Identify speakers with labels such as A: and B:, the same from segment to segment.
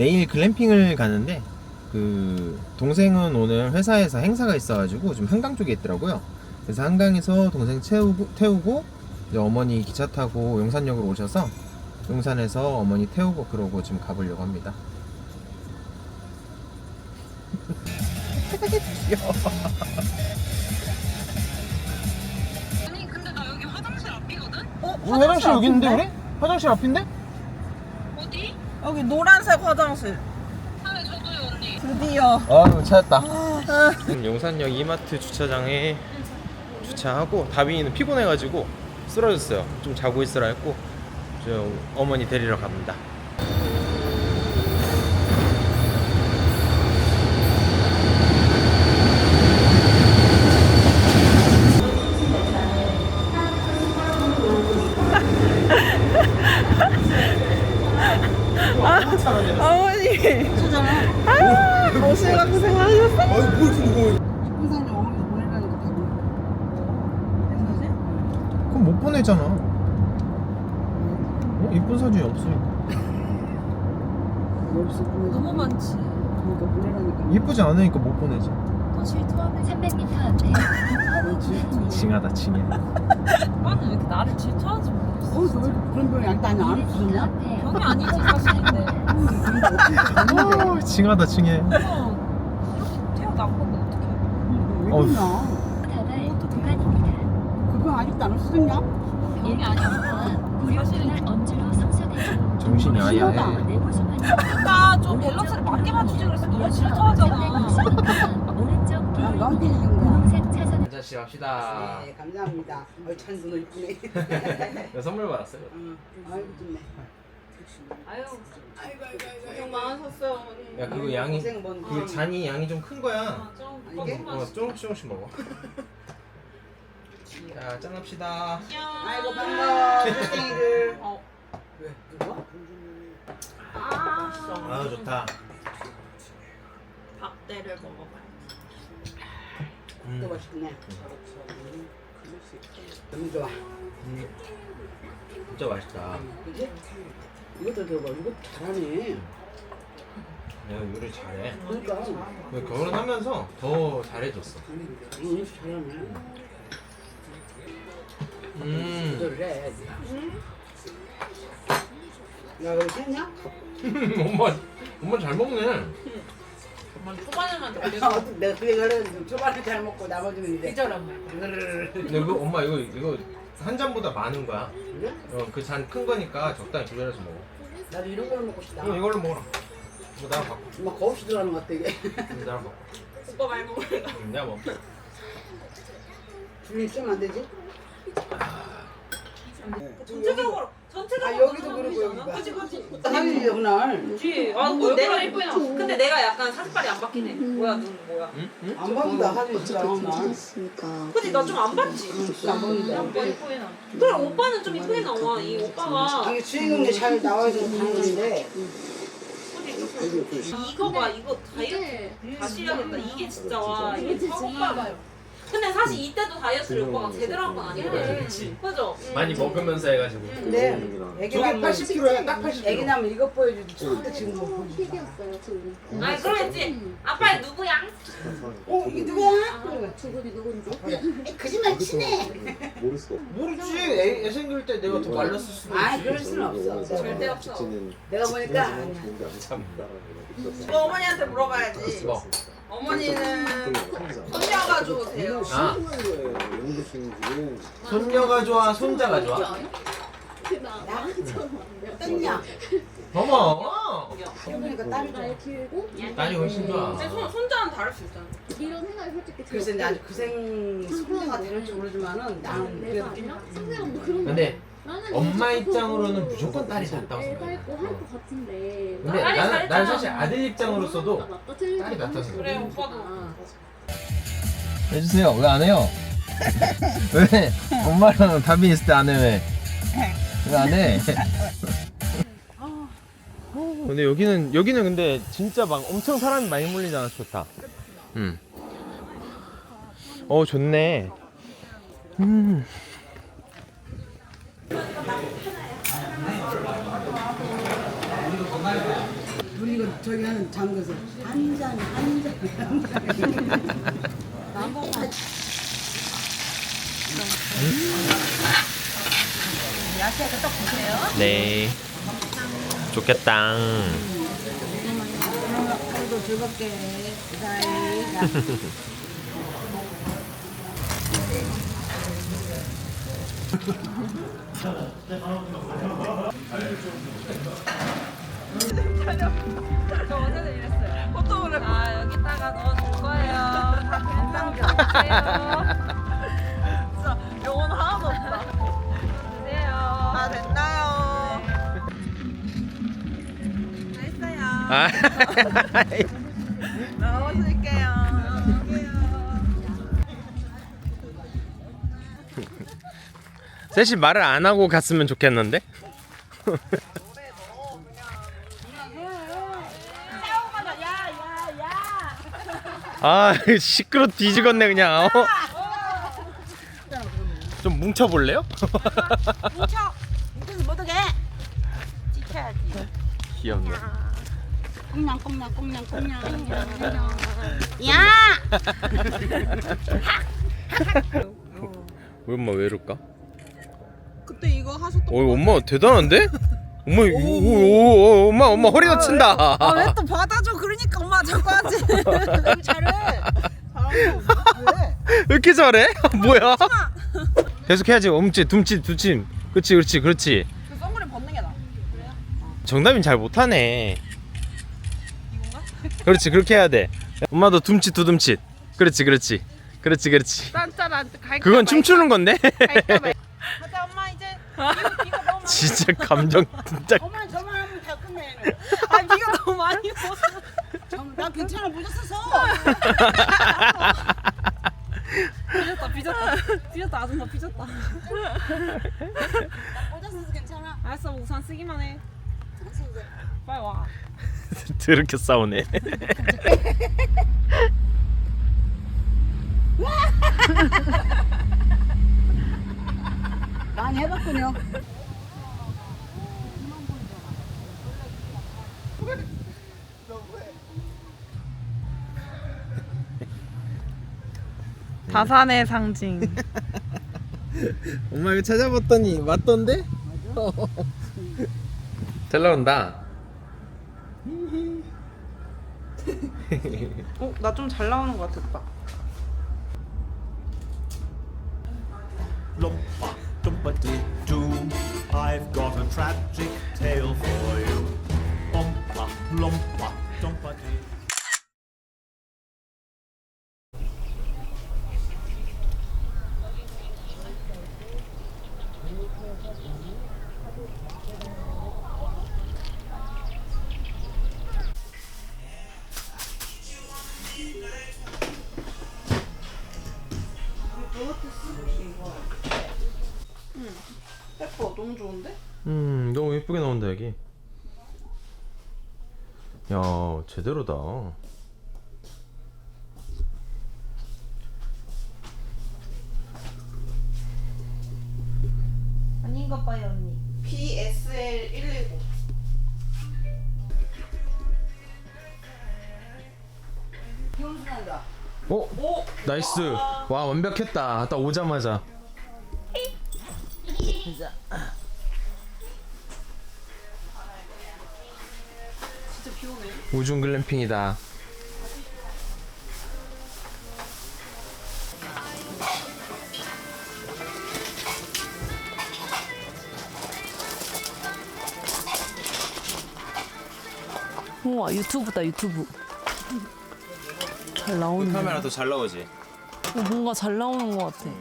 A: 내일 글램핑을 가는데 그 동생은 오늘 회사에서 행사가 있어가지고 좀 한강 쪽에 있더라고요. 그래서 한강에서 동생 태우고 이제 어머니 기차 타고 용산역으로 오셔서 용산에서 어머니 태우고 그러고 지금 가보려고 합니다. 귀여워.
B: 아니 근데 나 여기 화장실 앞이거든?
A: 화장실 여기 있는데 우리? 화장실 앞인데?
B: 어디?
C: 여기 노란색 화장실.
B: 아 저도요 언니.
C: 드디어.
A: 아 찾았다. 용산역 이마트 주차장에 주차하고 다빈이는 피곤해가지고 쓰러졌어요. 좀 자고 있으라 했고 저 어머니 데리러 갑니다.
C: 어머니. 오시가 고생하셨어.
A: 아니 뭘 이렇게 무거워.
D: 항상 어머니 보내라니까 다
A: 그럼 못 보내잖아. 이쁜 사진이 없으니까.
D: 여기서 보내서
B: 너무 많지.
D: 그러니까 보내라니까.
A: 이쁘지 않으니까 못 보내지.
B: 더 질투하면 300m 앞에
A: 징하다 징해.
B: 오빠는 왜 이렇게 나를 질투하는지 모르겠어.
D: 저 왜 그런 병이 나는 안 없었냐?
B: 병이 아니지 사실인데.
A: 징하다 징해.
B: 이렇게 태어난 건데 어떡해.
D: 왜
A: 어휴.
D: 그러나? 그거 아직도 안 없었냐?
B: 병이 아니었어. 사실은 언제로 성사되죠.
A: 정신이 아야해.
B: 그러니까 좀 밸런스를 맞게 맞추지 그래서 너무 질투하잖아.
D: 아, 너한테 있는 거야.
A: 한잔씩 합시다.
D: 네, 감사합니다. 참 눈을 이쁘네.
A: 나 선물 받았어요.
D: 아이고 좋네.
B: 아유
D: 아이고
B: 고생 많으셨어요 어머니.
A: 야 그거 양이
D: 고생 뭔
A: 그 잔이 양이 좀 큰 거야.
B: 아, 좀
D: 이게?
A: 조금씩 먹어. 자 짠합시다.
D: 아이고 반가워. 땡이들.
B: 어.
D: 왜? 누가?
A: 아 좋다.
B: 밥대를 먹어봐요.
D: 또 맛있네. 너무 좋아.
A: 진짜 맛있다.
D: 그지? 이것도 들어봐. 이거 잘하네.
A: 내가 요리 잘해.
D: 그러니까.
A: 결혼하면서 더 잘해졌어.
D: 응, 잘하네. 조절을 해. 야, 여기 샜냐?
A: 엄마 잘 먹네.
B: 엄마 초반에만
D: 내가 그 얘기를 초반에 잘 먹고 나머지는 이제.
B: 기절한
A: 근데 이거 엄마 이거 한 잔보다 많은 거야.
D: 그래?
A: 그 잔 큰 거니까 적당히 조절해서 먹어.
D: 나도 이런 걸로 먹고 싶다.
A: 이걸로 먹어라. 이거 나랑 바꿔.
D: 막 거없이 들어가는 것 같아 이게.
A: 나랑 바꿔.
B: 오빠 많이 먹을래.
A: 내가 먹어.
D: 줄이 쓰면 안 되지?
B: 전체적으로
D: 아 여기도 그러고 여기가.
B: 그치 그치.
D: 사진이 그날
B: 그치. 아 내가 예쁘나. 근데 내가 약간 사진빨이 안 바뀌네. 뭐야 눈 뭐야.
A: 응?
D: 안 봤다 사진 있더라 날.
B: 그치 나 좀 안 봤지.
D: 안 보는데.
B: 오빠 예쁘게 나. 그래 오빠는 좀 이쁘게 나와. 이 오빠가.
D: 이게 주인공이 잘 나와서 가는 건데.
B: 이거 봐 이거 다이어트 다시 해야겠다. 이게 진짜 와 이게 오빠 봐요. 근데 사실 이때도 다이어트를 오빠가 제대로 한 건 아니거든.
A: 그렇지.
B: 그죠?
A: 많이 먹으면서 해가지고.
D: 근데 애기
A: 저게
D: 낳으면
A: 80kg야, 딱 80kg.
D: 애기 낳으면 이것 보여주지. 절대 지금 못 보여주지.
B: 아니 그러겠지. 아빠 누구야?
D: 이게 누구야?
E: 저분이 누군지?
D: 거짓말 치네.
A: 모르지. 애 생길 때 내가 더 말랐을 수도 있지.
D: 아 그럴 수는 없어.
B: 절대 없어.
D: 내가 보니까 아니야.
B: 이거 어머니한테 물어봐야지.
A: 뭐?
B: 어머니는 손녀가 좋으세요?
A: 아. 손녀가 좋아, 손자가 좋아?
D: 떴냐?
A: 어머.
D: 그러니까 딸이 좋아.
E: 길고
A: 딸이 훨씬 좋아.
B: 근데 손자는 다를 수 있잖아.
E: 이런 생각이 솔직히
D: 그래서 이제 아직 그생 손녀가 되는지 모르지만은 나는
E: 내가
D: 그래도
E: 아니라 상대방도 그런
A: 근데
E: 나는
A: 엄마
E: 이거
A: 입장으로는
E: 보고
A: 무조건 딸이 낫다고
E: 애가
A: 생각해.
E: 있고 할것 같은데
A: 근데
B: 딸이
A: 난
B: 잘했잖아.
A: 사실 아들 입장으로서도
E: 낫다 틀리다
A: 딸이 낫다고 생각해.
B: 그래 오빠도.
A: 해주세요. 왜 안 해요? 왜? 엄마랑 답이 있을 때 안 해, 왜? 왜 안 해? 근데 여기는 근데 진짜 막 엄청 사람이 많이 몰리잖아. 좋다. 좋네.
D: 우리가 이거 저기 하는 잠궈서 한 잔.
C: 야채도 딱 보세요.
A: 네. 좋겠다.
D: 오늘도 즐겁게 사이.
C: 저 어제도 이랬어요. 포토를 여기다가 넣어줄 거예요. 다 괜찮게 주세요. 진짜 영혼 하나도 없다. 주세요. 다 됐나요? 됐어요.
A: 아.
C: 넣어줄게요.
A: 셋이 말을 안 하고 갔으면 좋겠는데? 아 시끄러 뒤지겠네 그냥. 좀 뭉쳐볼래요?
C: 뭉쳐서 못 오게. 지켜야지.
A: 귀엽네.
D: 꽁냥꽁냥.
C: 야!
A: 우리 엄마 왜 이럴까?
C: 그때 이거 하셨던
A: 엄마 대단한데? 엄마 엄마 허리 다친다.
C: 왜 또 받아줘? 그러니까 엄마 자꾸 하지.
D: 잘해.
A: 왜 이렇게 잘해? 뭐야? 계속해야지. 엄지, 둠치, 두침. 그렇지.
C: 그 선글을 벗는 게 나아.
A: 정답인 잘 못하네. 그렇지, 그렇게 해야 돼. 엄마도 둠치, 두둠치. 그렇지.
C: 짠짠한 갈까
A: 그건 춤추는 건데?
C: 가자 엄마 이제. 비가 너무 많이.
A: 진짜 감정 진짜.
D: 저만 하면 다 끝내.
C: 아 비가 너무 많이 왔어.
D: 나 괜찮아 묻었었어.
C: 삐졌다 아줌마 삐졌다.
D: 묻었어서 괜찮아.
C: 알았어 우산 쓰기만 해. 빨리 와.
A: 더럽게 싸우네.
D: 많이 해봤군요.
C: 다산의 상징.
A: 엄마 이거 찾아봤더니 맞던데? 잘 나온다.
C: 나 좀 잘 나오는 것 같았다.
F: Lumpa, dumpa-dee-doo, I've got a tragic tale for you. Lumpa, lumpa, dumpa-dee.
C: 예뻐 너무 좋은데?
A: 너무 예쁘게 나온다 여기. 야 제대로다.
C: 아닌가 봐요 언니. BSL 119.
D: 기운수난다.
A: 오 나이스. 와 완벽했다. 딱 오자마자.
C: 진짜 비 오네.
A: 우중 글램핑이다.
G: 우와 유튜브다 유튜브. 잘 나오는.
A: 카메라 더 잘 나오지.
G: 뭔가 잘 나오는 것 같아.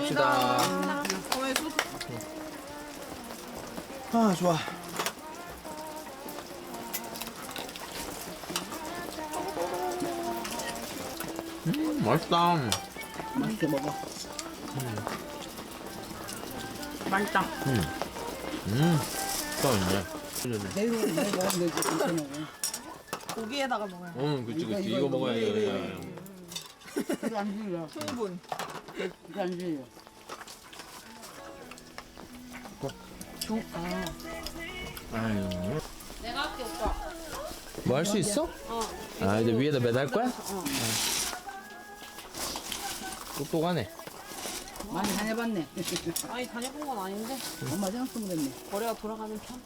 A: 봅시다. 아 좋아. 맛있다.
D: 맛있게 먹어.
B: 맛있다.
A: 맛있네.
D: 내일 먹으면 되지. 괜찮아.
C: 고기에다가 먹어요.
A: 응, 그치. 이거 먹어야 돼.
D: 그게 안 질려.
C: 충분.
D: 그게 안 질려.
A: 아유.
B: 내가 할게 오빠.
A: 뭐 할 수 있어? 아 이제 위에다 매달 거야? 똑똑하네.
D: 많이 다녀봤네.
B: 아니 다녀본 건 아닌데
D: 엄마 생각하면 됐네.
B: 거래가 돌아가는 편.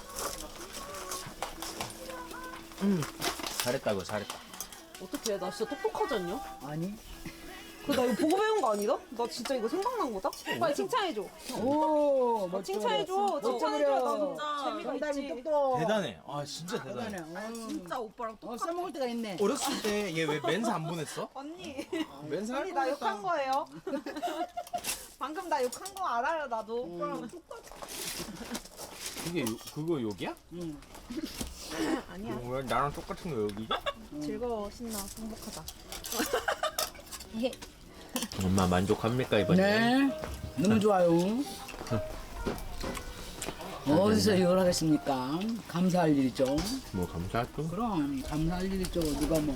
A: 잘했다고 잘했다.
B: 어떻게 나 진짜 똑똑하지 않냐?
D: 아니.
B: 나 이거 보고 배운 거 아니다? 나 진짜 이거 생각난 거다? 빨리 칭찬해줘.
D: 오,
B: 나 칭찬해줘. 칭찬해줘. 나 진짜 재미가
D: 정답이
B: 있지.
D: 똑똑.
A: 대단해. 아 진짜 대단해.
C: 진짜 오빠랑
D: 써먹을 때가 있네.
A: 어렸을 때 얘 왜 멘사 안 보냈어?
C: 언니.
A: 멘사 할
C: 언니 나
A: 뻔했다.
C: 욕한 거예요. 방금 나 욕한 거 알아요 나도. 오빠랑
A: 그게 그거 욕이야?
D: 응.
C: 아니야.
A: 왜 나랑 똑같은 거 욕이지?
C: 즐거워 신나 행복하다.
A: 엄마 만족합니까 이번에?
D: 네. 너무 좋아요. 어디서 이걸 하겠습니까? 감사할 일이죠.
A: 뭐 감사하죠.
D: 그럼 감사할 일이죠. 누가 뭐.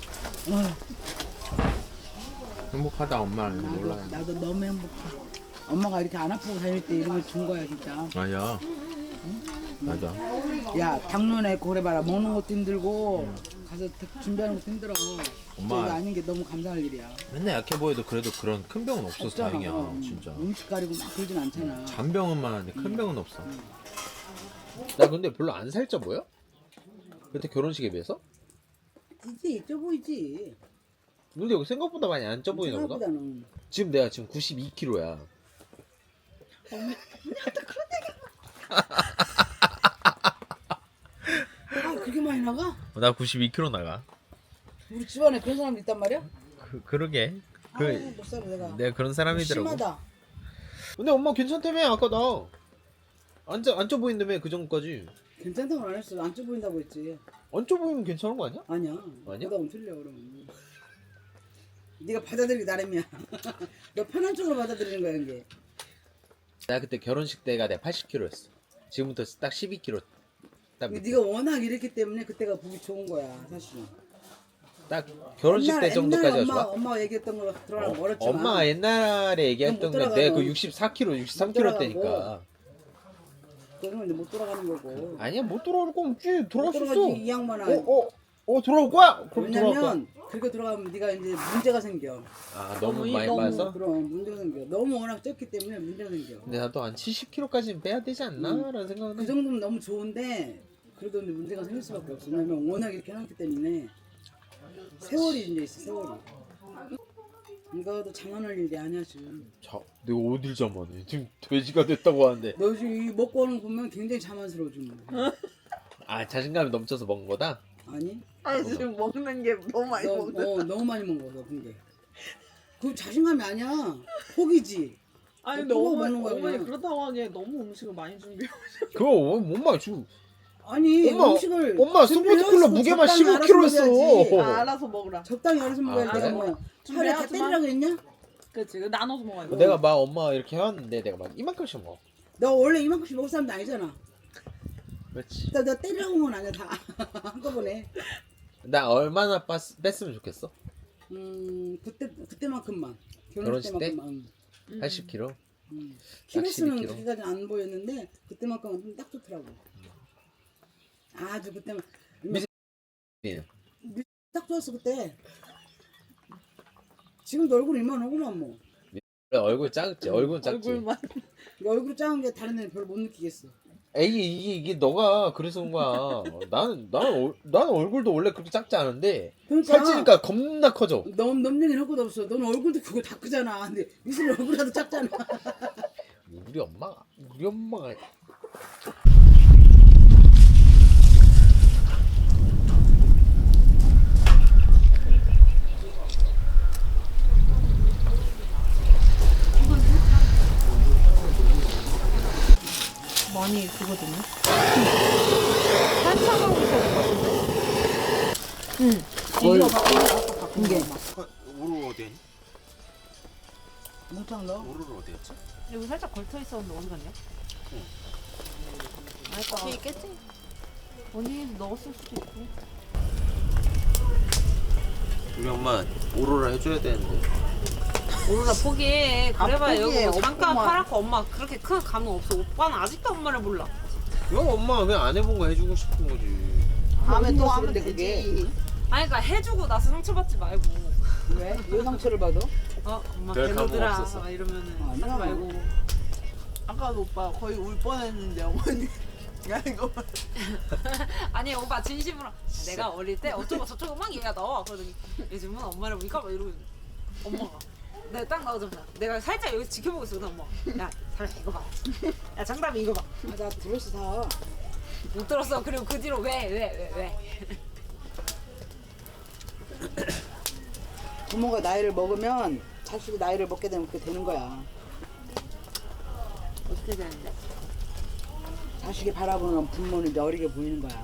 A: 행복하다 엄마는 몰라요.
D: 나도 너무 행복해. 엄마가 이렇게 안 아프고 다닐 때 이런 걸 준 거야 진짜.
A: 아야. 맞아.
D: 야 당뇨네 고래봐라. 먹는 것도 힘들고 가서 준비하는 것도 힘들어.
A: 엄마.
D: 이거 아닌 게 너무 감사할 일이야.
A: 맨날 약해 보여도 그래도 그런 큰 병은 없어서
D: 없잖아.
A: 다행이야. 진짜.
D: 음식 가리고 막 그러진 않잖아.
A: 잔병은 많은데 큰 병은 없어. 나 근데 별로 안 살쪄 보여? 그때 결혼식에 비해서?
D: 이제 있어 보이지.
A: 근데 여기 생각보다 많이 안 쪄 보이나 보다.
D: 생각보다는.
A: 지금 내가 지금 92kg야.
D: 아 그렇게 많이 나가?
A: 나 92kg 나가.
D: 우리 집안에 그런 사람도 있단 말이야?
A: 그러게.
D: 아유, 못 살아 내가.
A: 내가 그런 사람이더라고.
D: 심하다.
A: 근데 엄마 괜찮다며 아까 나. 안 쪄 보인다며 그 전까지.
D: 괜찮다고 안 했어. 안 쪄 보인다고 했지.
A: 안 쪄 보이면 괜찮은 거 아니야?
D: 아니야.
A: 아니야?
D: 보다 틀려 그러면. 네가 받아들이기 나름이야. 너 편한 쪽으로 받아들이는 거야 이게.
A: 나 그때 결혼식 때가 내가 80kg였어. 지금부터 딱 12kg. 딱,
D: 근데 네가 워낙 이랬기 때문에 그때가 보기 좋은 거야 사실은.
A: 딱 결혼식 때 정도까지가
D: 옛날
A: 좋아.
D: 엄마가 얘기했던 거 들어가면 멀었지만.
A: 엄마가 옛날에 얘기했던
D: 그럼 못
A: 게 내가 그
D: 돌아가면
A: 64kg,
D: 못
A: 63kg 때니까.
D: 돌아가고. 그러면 이제 못 돌아가는 거고.
A: 아니야 못 돌아올 거 없지. 돌아올 수 있어.
D: 돌아가지 이 양반아.
A: 돌아올 거야? 그럼 돌아올 거야.
D: 왜냐면 그렇게 돌아가면 네가 이제 문제가 생겨.
A: 아 너무 많이 빠졌어?
D: 그럼 문제가 생겨. 너무 워낙 쪘기 때문에 문제가 생겨.
A: 근데 나도 한 70kg까지는 빼야 되지 않나? 라는 생각은
D: 그
A: 해.
D: 정도면 너무 좋은데 그래도 이제 문제가 생길 수밖에 없어. 왜냐면 워낙 이렇게 해놨기 때문에 세월이 이제 있어 세월이. 이거도 장난할 일이 아니야 지금.
A: 자, 내가 어딜 자만해. 지금 돼지가 됐다고 하는데.
D: 너 지금 이 먹고 하는 거 보면 굉장히 자만스러워 지금.
A: 아 자신감이 넘쳐서 먹은 거다?
D: 아니?
C: 아니 지금 먹는 게 너무 많이 먹는.
D: 너무 많이 먹어서 근데. 그 자신감이 아니야. 포기지.
C: 아니
D: 근데
C: 너무
D: 먹는 거야,
C: 어머니
D: 그냥.
C: 그렇다고 하기에 너무 음식을 많이 준비해.
A: 그거 엄마 지금
D: 아니
A: 엄마,
D: 음식을
A: 엄마
D: 준비를
A: 스포츠콜라
D: 해서
A: 무게만
D: 적당히 알아서
A: 15kg 했어.
D: 먹어야지.
C: 알아서 먹으라.
D: 적당히 알아서 먹어야지.
A: 그래?
D: 내가 뭐 하루에 다
C: 준비하지 마.
D: 때리라고 했냐?
C: 그치 나눠서 먹어야 돼.
A: 내가 막 엄마 이렇게 해왔는데 내가 막 이만큼씩 먹어.
D: 너 원래 이만큼씩 먹을 사람도 아니잖아.
A: 그렇지.
D: 너 때리라고 한 건 아니야 다 한꺼번에.
A: 나 얼마나 뺐으면 좋겠어?
D: 그때만큼만.
A: 결혼식 때?
D: 때만큼만.
A: 80kg?
D: 키로수는
A: 12kg.
D: 그렇게까지 안 보였는데 그때만큼은 좀 딱 좋더라고. 아주 그때만
A: 예.
D: 딱 좋았어 그때. 지금도 얼굴 이만하구만 뭐.
A: 얼굴 작지. 얼굴은 작지.
C: 얼굴만.
D: 얼굴 작은 게 다른 애는 별로 못 느끼겠어.
A: 에이 이게 너가 그래서 그런 거야. 나는 얼굴도 원래 그렇게 작지 않은데
D: 그러니까
A: 살찌니까 겁나 커져.
D: 넌 얘기는 할 것도 없어. 넌 얼굴도 그거 다 크잖아. 근데 미술 얼굴이라도 작잖아.
A: 우리 엄마가
C: 한참하고 있어야 될 것 같은데.
D: 거의 이게
A: 우르르 어디?
D: 뭉창 넣어.
A: 우르르 어디였지?
C: 여기 살짝 걸쳐 있었는데 어디 갔냐? 알까? 뒤에 있겠지? 언니 넣었을 수도 있고.
A: 우리 엄마 오로라 해줘야 되는데.
B: 오로라 포기해. 그래봐야
D: 포기해.
B: 여기 뭐 잠깐
D: 엄마.
B: 팔았고 엄마 그렇게 큰 감흥 없어. 오빠는 아직도 엄마를 몰라.
A: 형 엄마 왜 안 해본 거 해주고 싶은 거지.
D: 다음에 또 하면 되지.
B: 아니 그러니까 해주고 나서 상처받지 말고.
D: 왜? 왜 상처를 받아?
B: 엄마
A: 별 감흥
B: 별로더라
A: 없었어.
B: 막 이러면은
D: 아니야.
B: 하지 말고.
C: 아까도 오빠 거의 울 뻔했는데 어머니. 야 이거.
B: 아니 오빠 진심으로 내가 어릴 때 어쩌고 저쩌고 막 얘가 나와. 그러더니 요즘은 엄마를 보니까 막 이러고 있는 엄마가 내가 딱 나오자마자 내가 살짝 여기서 지켜보고 있어. 엄마 야 사람 이거 봐. 야 장담이 이거 봐.
D: 나 브러쉬 사.
B: 못 들었어. 그리고 그 뒤로 왜?
D: 부모가 나이를 먹으면 자식이 나이를 먹게 되면 그렇게 되는 거야.
B: 어떻게 되는데?
D: 자식이 바라보는 부모는 이제 어리게 보이는 거야.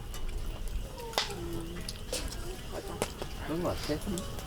A: 그런 거 같아.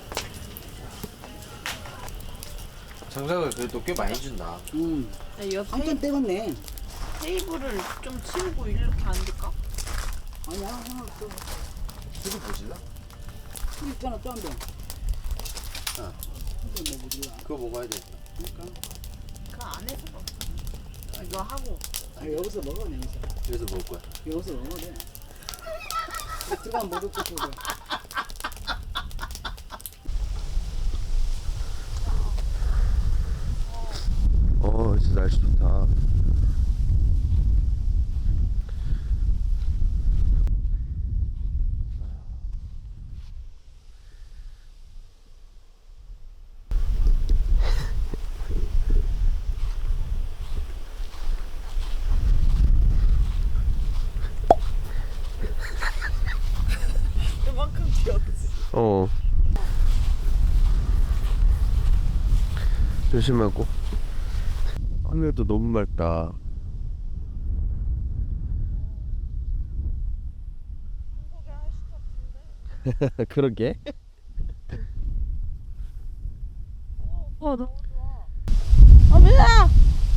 A: 장작을 그래도 꽤 많이 준다.
B: 옆
D: 한참 떼었네.
B: 테이블을 좀 치우고 이렇게 앉을까?
D: 아니야, 하나 또.
A: 술을 보실라?
D: 술 있잖아, 또 한 병.
A: 아.
D: 이거 뭐 몰라.
A: 그거 먹어야 돼.
D: 그러니까.
B: 그 안에서 이거 하고
D: 아, 여기서 먹어, 여기서.
A: 그래서 먹을 거야.
D: 여기서 먹어, 돼. 들어가면 못 먹고 그거.
A: 진짜 날씨 좋다.
C: 이만큼 귀엽지.
A: 조심하고. 하늘도 너무 맑다. 그러게.
C: 너무 좋아. 밀라.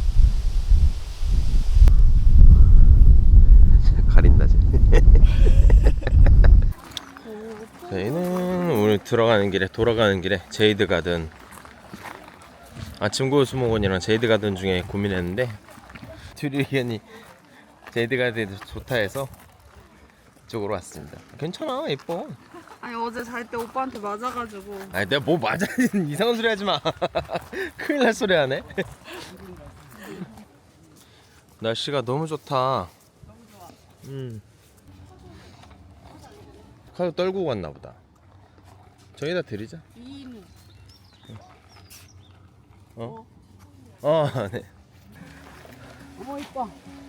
A: 가린다 쟤. 저희는 오늘 돌아가는 길에 제이드 가든 아침 고수목원이랑 제이드 가든 중에 고민했는데 둘이 의견이 제이드 가든이 좋다 해서 이쪽으로 왔습니다. 괜찮아, 예뻐.
C: 아니 어제 잘 때 오빠한테 맞아가지고.
A: 아니 내가 뭐 맞아. 이상한 소리 하지 마. 큰일 날 소리 하네. 날씨가 너무 좋다. 카드 떨고 갔나 보다. 저기다 드리자. 네.
D: 어머, 이뻐.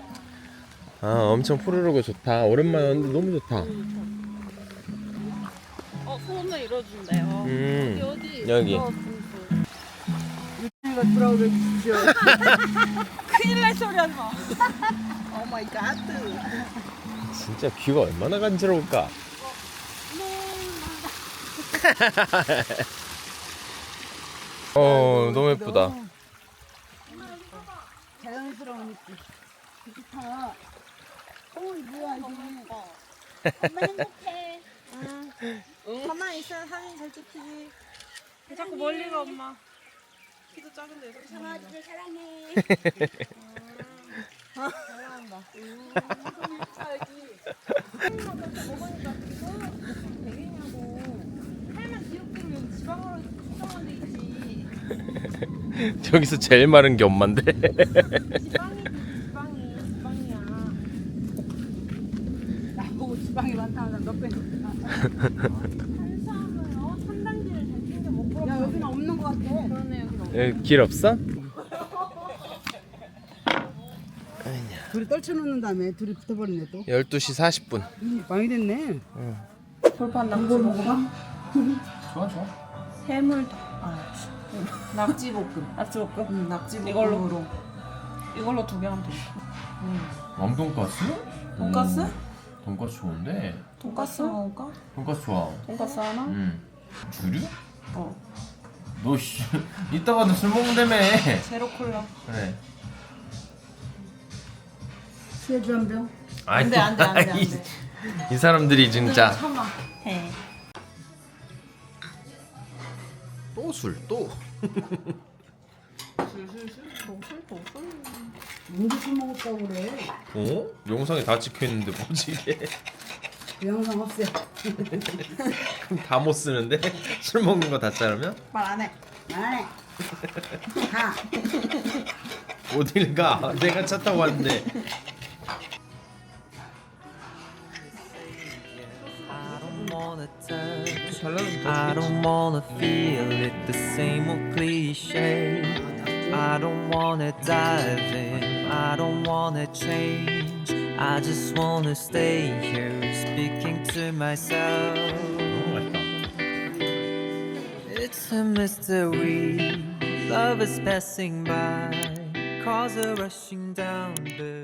A: 엄청 푸르르고 좋다. 오랜만에 왔는데 너무 좋다.
C: 소원을 이뤄준대요. 어디?
A: 여기.
D: 내가 돌아오게 해주십시오.
C: 큰일 날 소리 하지 마. 오 마이 갓.
A: 진짜 뷰가 얼마나 간지러울까. 너무 예쁘다.
D: 자연스러운 느낌. 좋다. 뭐야, 이게.
E: 엄마 행복해.
C: 가만히 있으면 사진 잘 찍히지. 자꾸 멀리 가 엄마. 키도 작은데 이렇게
E: 강아지들 사랑해.
C: 사랑한다. 살만 귀엽게면 지방으로 수정한 데 있지.
A: 저기서 제일 마른 게 엄만데.
C: 지방이야.
D: 나보고 지방이 많다면 너 빼.
C: 탄수화물, 탄단지를 잘 챙겨 먹고.
D: 야, 여기는 없는 것 같아.
C: 그러네 여기 너무.
A: 여기 길 없어?
D: 둘이 떨쳐놓는 다음에 둘이 붙어버리네 또.
A: 12시 40분.
D: 많이 됐네.
C: 돌판 낙지 먹어봐.
A: 좋아.
C: 해물 낙지볶음. 낙지볶음. 낙지볶음으로. 이걸로 2개 하면 돼.
A: 왕돈가스?
C: 돈가스?
A: 돈가스 좋은데.
C: 돈가스 먹을까?
A: 돈가스 좋아.
C: 돈가스 하나?
A: 주류?
C: 어.
A: 너 씨, 이따가도 술 먹는다며.
C: 제로 콜라.
A: 그래.
D: 소주 한 병?
A: 아이,
C: 돼, 안 돼, 안 돼, 안
A: 이-
C: 돼.
A: 이 사람들이 진짜.
C: 참아. 해.
A: 또 술, 또.
D: 언제 술 먹었다고 그래?
A: 어? 영상에 다 찍혀 있는데 뭐지 이게?
D: 그 영상 없애.
A: 다 못 쓰는데 술 먹는 거 다 자르면
C: 말 안 해.
D: 안 해. 가.
A: 어딜 가? 내가 차 타고 왔는데.
H: I don't wanna feel it, the same old cliche. I don't wanna dive in, I don't wanna change. I just wanna stay here, speaking to myself.
A: 너무 맛있다.
H: It's a mystery, love is passing by, cars are rushing down the